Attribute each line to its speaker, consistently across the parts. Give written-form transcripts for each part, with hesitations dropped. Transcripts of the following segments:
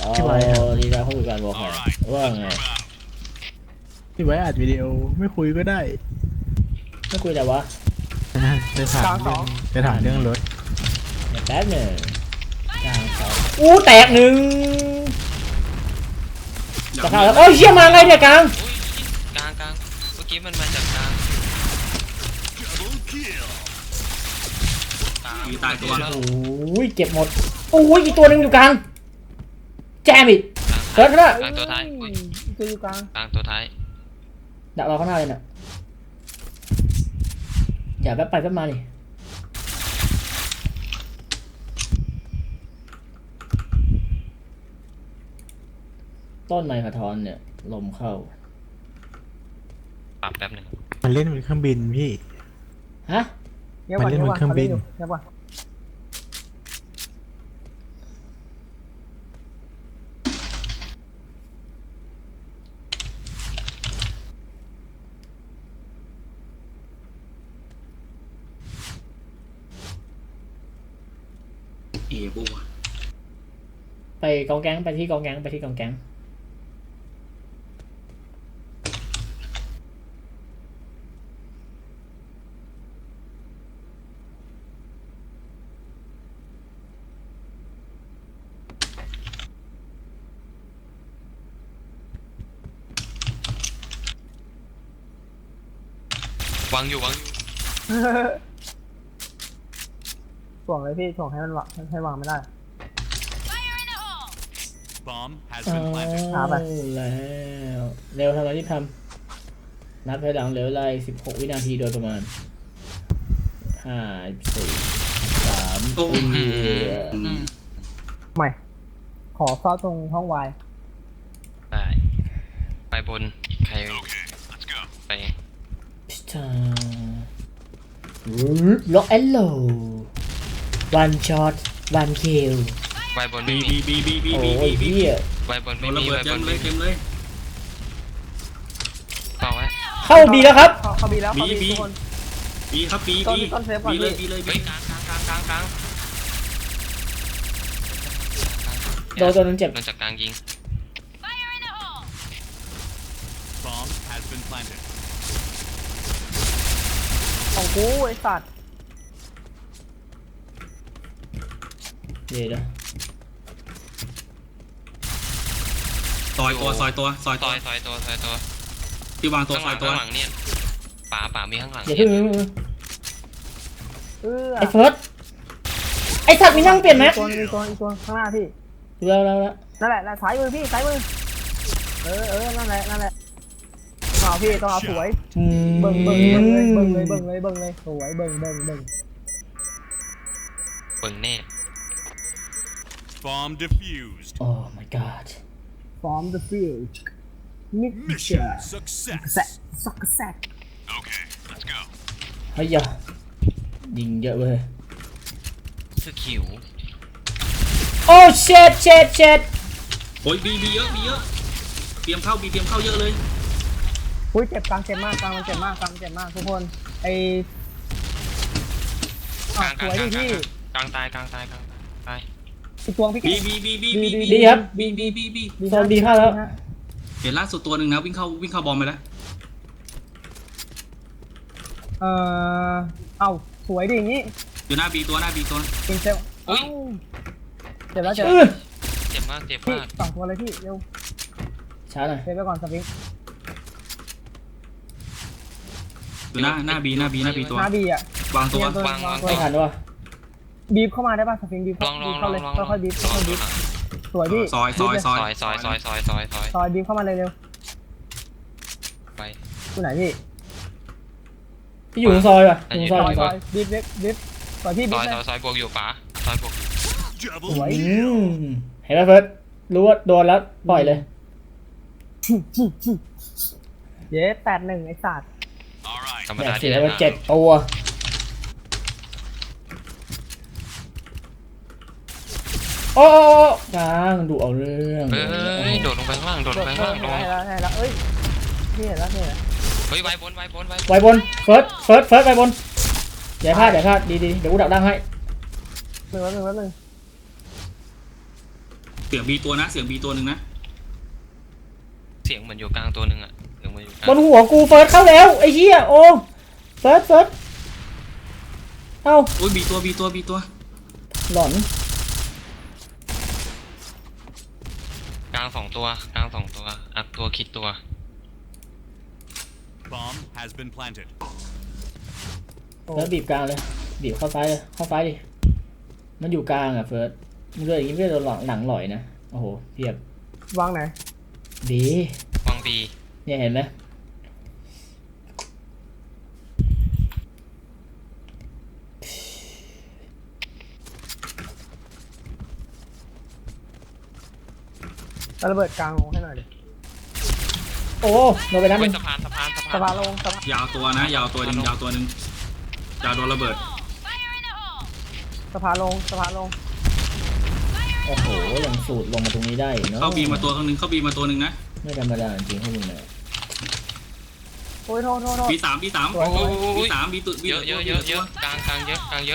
Speaker 1: พี่ไว้ครับ
Speaker 2: ดีนะเขาอยู่การบอกว่าไง
Speaker 1: พี่ไว้อัดวิดีโอไม่คุยก็ได้
Speaker 2: ไม่คุยแต่วะ
Speaker 1: จะถามเรื่องจะถามเรื่องรถ
Speaker 2: เดี๋ยวแป๊บหนึ่งกลางสองอู้แตกหนึ่งจะเข้าแล้วโอ้ยเชี่ยมาไงเนี่ยกลาง
Speaker 3: อุ้ยกลางกลางเมื่อกี้มันมาจากกลาง
Speaker 4: มีตายตัว
Speaker 3: แล้ว
Speaker 2: โอ้ยเก็บหมดโอ้ยอีกตัวหนึ่งอยู่กลางแจมอีกเกิดแล้ว
Speaker 3: กลางตัวท้ายอุ้ย
Speaker 5: ตัวอยู่กลาง
Speaker 3: กลางตัวท้าย
Speaker 2: ดักเราข้างหน้าเลยน่ะอย่าแป๊บไปแป๊บมาดิต้นไม้กระท้อนเนี่ยลมเข้า
Speaker 3: ปรับแป๊บหนึ่ง
Speaker 1: มันเล่นเป็นเครื่องบินพี่
Speaker 2: ฮะ
Speaker 5: เงียบก่อน
Speaker 1: มันเล่น
Speaker 5: เงีย
Speaker 1: บบ น
Speaker 5: ก่อน
Speaker 1: เครื่องบิน
Speaker 5: เงียบก่อน
Speaker 4: บัว
Speaker 2: ไปกองแก๊งไปที่กองแก๊งไปที่กองแก๊ง
Speaker 3: วางอยู่วางอยู่
Speaker 5: ถ่วงเลยพี่ถ่วงให้มันวางให้วางไม่ได้
Speaker 6: Bomb has
Speaker 2: เอา
Speaker 6: been planted.
Speaker 5: หาไป
Speaker 2: แล้วเร็วทำอะไรที่ทำนับถอยหลังเหลือเวลาอีก16 วินาทีโดยประมาณ5 4 3
Speaker 4: โอ้โห
Speaker 5: ใหม่ ขอเฝ้าตรงห้องวาย
Speaker 3: ได้ไปบนใครไป
Speaker 2: พิชาล็อกแอนโล one shot one kill
Speaker 3: ไปบน
Speaker 4: บี
Speaker 3: ไม่มี
Speaker 4: บี
Speaker 2: โอ้ยเฮีย
Speaker 3: ไปบน
Speaker 4: โด
Speaker 3: ไม่
Speaker 4: นระ
Speaker 3: มี
Speaker 4: เบิด
Speaker 3: ไป
Speaker 4: เต็
Speaker 3: บ
Speaker 4: ม
Speaker 3: น
Speaker 4: เล
Speaker 3: ไม่
Speaker 4: ย
Speaker 3: มี
Speaker 4: เต็มเลย
Speaker 3: เปล่าไว้
Speaker 2: เข้าบีแล้วครับ
Speaker 5: เข้าบีแล้วเข้าบี
Speaker 4: บี
Speaker 5: ทุกคน
Speaker 4: บีครับบี
Speaker 5: ต้น
Speaker 4: บี
Speaker 5: ต้นเซฟก่อน
Speaker 4: บีเลย
Speaker 5: พี่
Speaker 4: บีเลย
Speaker 3: เฮ้ยกลางกลางกลางกลางกลาง
Speaker 2: โดนตัวนึงเจ็บ
Speaker 3: โดนจากกลางยิง
Speaker 6: Bomb has been planted.
Speaker 5: ของกูไอ้สัตว์
Speaker 2: เดี๋ยวนะ
Speaker 4: ซอยตัวซอยตัวซอย
Speaker 3: ซ
Speaker 4: ตัว
Speaker 3: อยซอยตัวซอยตัว
Speaker 4: ที่วางตัว
Speaker 3: ข้าง
Speaker 4: ซ อยตัว
Speaker 3: หลังข้างหลังเนี่ยป่ามีข้างหลัง
Speaker 2: อย่า
Speaker 3: เนี่
Speaker 2: เพิ่
Speaker 3: ย
Speaker 2: ง
Speaker 5: เออ
Speaker 2: ไอ้เฟิร์สไอ้สัตว์มีนั่งเปลี่ยนไหม
Speaker 5: ตัวอีกตัวข้างหน้าพี่
Speaker 2: แล้ว
Speaker 5: นั่นแหละซ้ายมือพี่ซ้ายมือนั่นแหละเอาพี่ต้องเอาสวยเบิ่งเลยสวยเบิ่ง
Speaker 3: เบิ่งแน่
Speaker 6: Bomb defused.
Speaker 2: โอ้ my god
Speaker 5: from the field
Speaker 6: Mission success.
Speaker 5: สักแซก
Speaker 6: Okay, let's go.
Speaker 2: เฮ้ยยิงเยอะเว้ย
Speaker 3: สกิล
Speaker 2: โอ้เช็ด
Speaker 4: โอ้ยบีเยอะบีเยอะเตรียมเข้าบีเตรียมเข้าเยอะเลย
Speaker 5: อุ้ยเจ็บกลางเจ็บมากกลางมันเจ็บมากทุกคนไอก
Speaker 3: ลางก
Speaker 5: ส
Speaker 3: ลาง
Speaker 5: วย
Speaker 3: กลา
Speaker 5: ดิ
Speaker 3: ง
Speaker 5: พี่
Speaker 3: กลางตายตาย
Speaker 5: อีกตัวพี่
Speaker 4: บีบี
Speaker 2: ดีครับ
Speaker 4: บี
Speaker 2: โซนดีเข้าแล้ว
Speaker 4: เห็นล่าสุดตัวหนึ่งนะวิ่งเข้าบอมไปแล้ว
Speaker 5: เอ้าสวยดิอย่างนี้
Speaker 4: อยู่หน้าบีตัว
Speaker 5: เป็นเซลเอ้าเจ็บแล้ว
Speaker 3: เจ็บมากเจ็บ
Speaker 5: พี่
Speaker 3: มาก
Speaker 5: สองตัวเลยพี่เร็ว
Speaker 2: ช้าหน่อย
Speaker 5: เซฟไปก่อนสวิง
Speaker 4: อยู่หน้าบีตัว
Speaker 5: หน้าบีอ่ะ
Speaker 4: วางตัว
Speaker 2: ไม่ทันวะ
Speaker 5: บีบเข้ามาได้ป่ะสฟิงบีบ
Speaker 3: ลอง
Speaker 5: เข้าเลยค่อยๆบีบ
Speaker 3: ลอง
Speaker 5: บีบสวยพี่
Speaker 4: ซอย
Speaker 5: บีบเลย
Speaker 3: ซอย
Speaker 5: บีบเข้ามาเลยเร็ว
Speaker 3: ไป
Speaker 5: อยู่ไหนพี่
Speaker 2: พี่อยู่ตรงซอยป่ะอยู่ตรงซอย
Speaker 5: ซอยบีบบีบสวยพี่บีบเลย
Speaker 3: ซอยบวกอยู่ป๋าซอยบวก
Speaker 5: สวย
Speaker 2: เห็นไหมเฟิร์สรู้ว่าโดนแล้วปล่อยเลย
Speaker 5: เย้8-1ไอ้สัตว์
Speaker 6: All right.
Speaker 3: ธรรม
Speaker 2: แบ
Speaker 3: ดา
Speaker 2: บ
Speaker 3: ที่
Speaker 2: เสีย
Speaker 3: ได้
Speaker 2: ไป
Speaker 3: มา
Speaker 2: 7 ตัวโอ้กลางดูเอาเรื่อง
Speaker 3: เฮ้ยโดดลงไปข้างล่างโดดลงไปข้างล่างลง
Speaker 5: ให้แล้วเอ้ยนี่เห็นแล้ว
Speaker 3: เฮ้ยไว้บน
Speaker 2: ไว้บนเฟิร์สไว้บนอย่าพลาดดีเดี๋ยวกูดักดังให้
Speaker 5: แป๊บนึง
Speaker 4: สียงบีตัวนะเสียงบีตัวหนึ่งนะ
Speaker 3: เสียงเหมือนอยู่กลางตัวหนึ่งอะเสียงเหมือนอยู่กลาง
Speaker 2: บนหัวกูเฟิร์สเข้าแล้วไอ้เหี้ยโอ้เฟิร์สเอ้า
Speaker 4: โอ้ยบีตัว
Speaker 2: หลอน
Speaker 3: กลางสองตัวอักตัวคิดตัว
Speaker 6: Bomb has been planted.
Speaker 2: แล้วบีบกลางเลยบีบเข้าซ้ายเลยเข้าซ้ายดิมันอยู่กลางอ่ะเฟิร์สมึงเดินอย่างนี้ไม่ได้โดนหลังหลอยนะโอ้โหเทียบ
Speaker 5: วางไหน
Speaker 2: ดี
Speaker 3: วางบี
Speaker 2: เนี่ยเห็นไหม
Speaker 5: แล้วระเบิดกลางลงให้หน่อยดิ
Speaker 2: โอ้โดนไปนัดห
Speaker 3: เฮ้ย
Speaker 2: นึง
Speaker 3: สะพาน
Speaker 5: สะพานลงสะพาน
Speaker 4: ยาวตัวนะยาวตัวหนึ่งยาวโดนระเบิด
Speaker 5: สะพานลงสะพานลง
Speaker 2: โอ้โหยังสูดลงมาตรงนี้ได้อีกเนาะ
Speaker 4: เข้าบีมาตัวหนึ่งเข้าบีมาตัวหนึ่งนะ
Speaker 2: ไม่ธรรมดาจริงๆพวกมึงเนี่ย
Speaker 5: โอ้ยโทษ
Speaker 4: บีสาม
Speaker 2: สวย
Speaker 4: บีสามบีตัว
Speaker 3: เยอะกลางเยอะ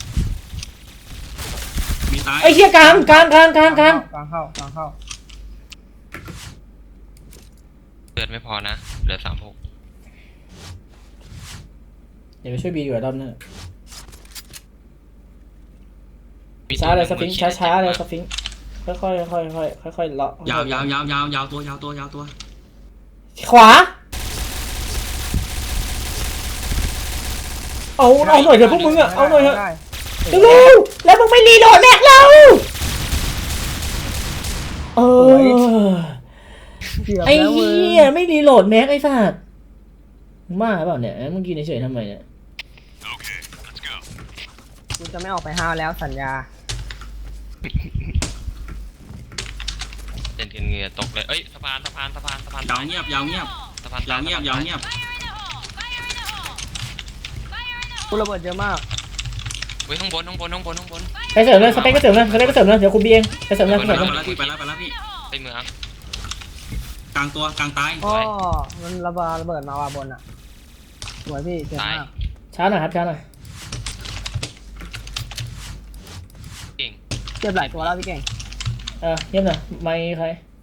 Speaker 4: บีตาย
Speaker 2: ไอ้เหี้ยกลาง
Speaker 5: กลางเข้า
Speaker 3: เลือดไม่พอนะเหลือ36
Speaker 2: เดี๋ยวไปช่วยบีดีกว่ารอบหน้าช้าเลยสฟิงค์ช้าเลยสฟิงค์ค่อยเลาะ
Speaker 4: ยาวตัว
Speaker 2: ขวาเอาหน่อยเถอะพวกมึงอะเอาหน่อยเถอะ
Speaker 5: ได้
Speaker 2: เร็วๆแล้วมึงไม่รีโหลดแม็กเรา
Speaker 5: เกือบ
Speaker 2: ไอ้
Speaker 5: แล้วมึง
Speaker 2: เหี้ยไม่รีโหลดแม็กไอ้สัสมึงบ้าเปล่าเนี่ยมึงกินเฉยๆทำไมเนี่ย
Speaker 6: Okay, let's go.
Speaker 5: กูจะไม่ออกไปห้าวแล้วสัญญา
Speaker 3: เต้นเหงื่อตกเลยเอ้ยสะพาน
Speaker 4: ยาวเงียบ
Speaker 3: สะพาน
Speaker 4: ยาวเงียบ
Speaker 5: กูระเบิดเยอะมาก
Speaker 3: เฮ้ยข้างบน
Speaker 2: ไปเสริมเลยสเปคก็เสริมเลยเดี๋ยวกูบีเองไปเสริมเลย
Speaker 4: ไปแล้วพี่
Speaker 3: ไปเมือง
Speaker 4: กลางตัวกลางตาย
Speaker 5: อ๋อมันระเบิดมาว่าบนอ่ะสวยพี่เจ๋ง
Speaker 3: ตาย
Speaker 5: มาก
Speaker 2: ช้าหน่อยครับช้าหน่อย
Speaker 3: เก่ง
Speaker 5: เจ็บหลายตัวแล้วพี่เก่ง
Speaker 2: เยี่ยมหน่อยไม่ใคร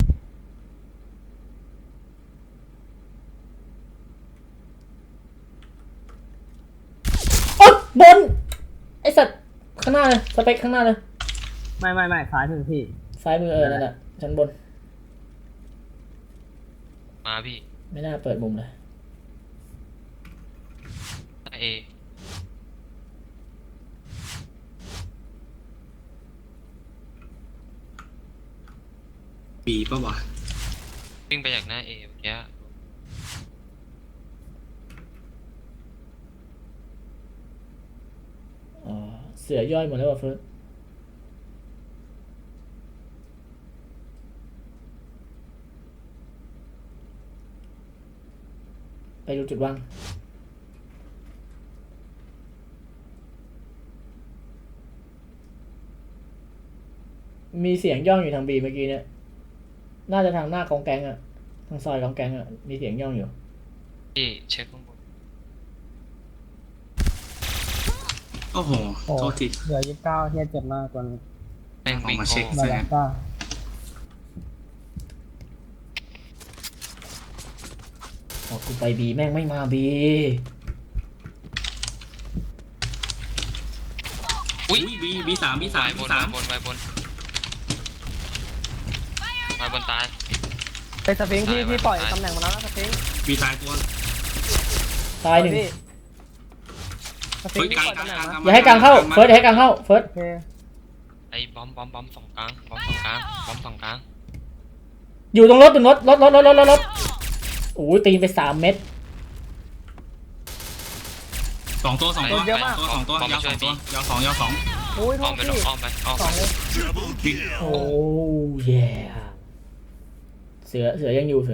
Speaker 2: โอ๊ยบนไอ้สัตว์ข้างหน้าเลยสเปคข้างหน้าเลย
Speaker 5: ไม่ซ้ายมือพี่
Speaker 2: ซ้ายมือนั่นแหละชั้นบน
Speaker 3: มาพี่
Speaker 2: ไม่น่าเปิดมุมเลย
Speaker 3: เอ
Speaker 4: บีป่ะวะ
Speaker 3: วิ่งไปจากหน้าเอเมื่อกี้
Speaker 2: เสือย่อยหมดแล้วว่ะเฟิร์สไปดูจุดวางมีเสียงย่องอยู่ทางบีเมื่อกี้เนี่ยน่าจะทางหน้ากองแกงอะทางซอยกองแกงอะมีเสียงย่องอยู่
Speaker 3: พี่เช็คข้างบน
Speaker 4: โอ้โหโทษที
Speaker 5: เหลือ29เฮียเจ็บมากตัวนี้
Speaker 3: แม่งวิ่ง
Speaker 4: เอามาเช็ค
Speaker 5: มาแล้วก็
Speaker 2: กูไปบีแม่งไม่มาบี
Speaker 3: อุ้ย
Speaker 4: บีสาม
Speaker 3: วายบนตาย
Speaker 5: ไปสฟิงค์พี่ปล่อยตำแหน่งมาแล้วนะสฟิงค์
Speaker 4: บีตายตัว
Speaker 2: ตายหนึ่ง
Speaker 5: พี่สฟิงค์พี่ปล่อยตำแหน่งนะ
Speaker 2: อย่าให้กลางเข้าเฟิร์สอย่าให้กลางเข้าเฟิร์ส
Speaker 5: โอเค
Speaker 3: ไอ้บอมสองกลาง
Speaker 2: อยู่ตรงรถโอ้ยตีไป3 เม็ด
Speaker 4: 2 ตัว ยาว 2
Speaker 5: โอ้ยโท
Speaker 3: อ้อ
Speaker 5: ษ
Speaker 3: มไป
Speaker 5: พี่
Speaker 3: อ้อมไป
Speaker 5: สองเลย
Speaker 6: Double kill.
Speaker 2: โอ้เย่เสือยังอยู่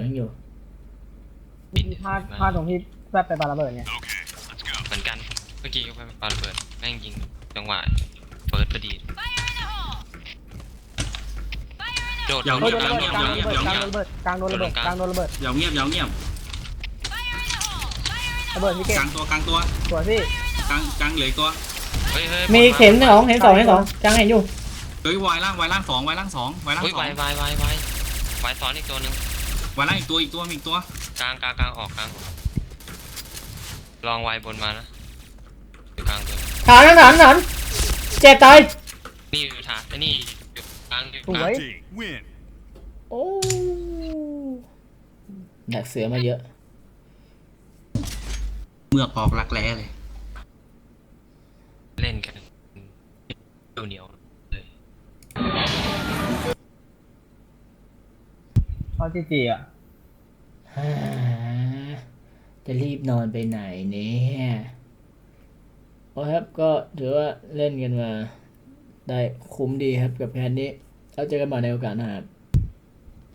Speaker 5: พลาดตรงที่แวบไปปาระเบิดเนี่ย
Speaker 6: Okay, let's go.
Speaker 3: เหมือนกันเมื่อกี้ก็ไปปาระเบิดแม่งยิงจังหวะเฟิร์สพอดีโดด
Speaker 5: โดนระเบิดกลางโดนระเบิดกลางโดนระเบิด
Speaker 4: ยาวเงียบ
Speaker 5: ระเบิดพี่เก่ง
Speaker 4: กลางตัว
Speaker 5: สวยพี่
Speaker 4: กลางเหลือตัว
Speaker 3: เฮ้ย
Speaker 2: มีเห็น2กลางเห็นอยู่
Speaker 4: เฮ้ยวายล่างสองวายล่างสองวายล่าง
Speaker 3: อุ้ย
Speaker 4: สอง
Speaker 3: วายซ้อนอีกตัวหนึ่ง
Speaker 4: วายล่างอีกตัวมีอีกตัว
Speaker 3: กลางออกกลางลองวายบนมานะอยู่กลางตัว
Speaker 2: ฐานเจ็บตาย
Speaker 3: นี่อยู่ฐานไอ้นี่อยู่กลางอยู่
Speaker 5: ส
Speaker 3: ก
Speaker 5: ว
Speaker 3: ลาง
Speaker 5: ย
Speaker 6: Team win.
Speaker 2: โอ้ดักเสือมาเยอะ
Speaker 4: เมือกออกรักแร้เลย
Speaker 3: เล่นกันเหนียวเลย
Speaker 5: เขาจีจีอ่ะ
Speaker 2: ฮ่าจะรีบนอนไปไหนเนี่ยโอ้ครับก็ถือว่าเล่นกันมาได้คุ้มดีครับกับแพนนี้แล้วเจอกันใหม่ในโอกาสหน้าครับ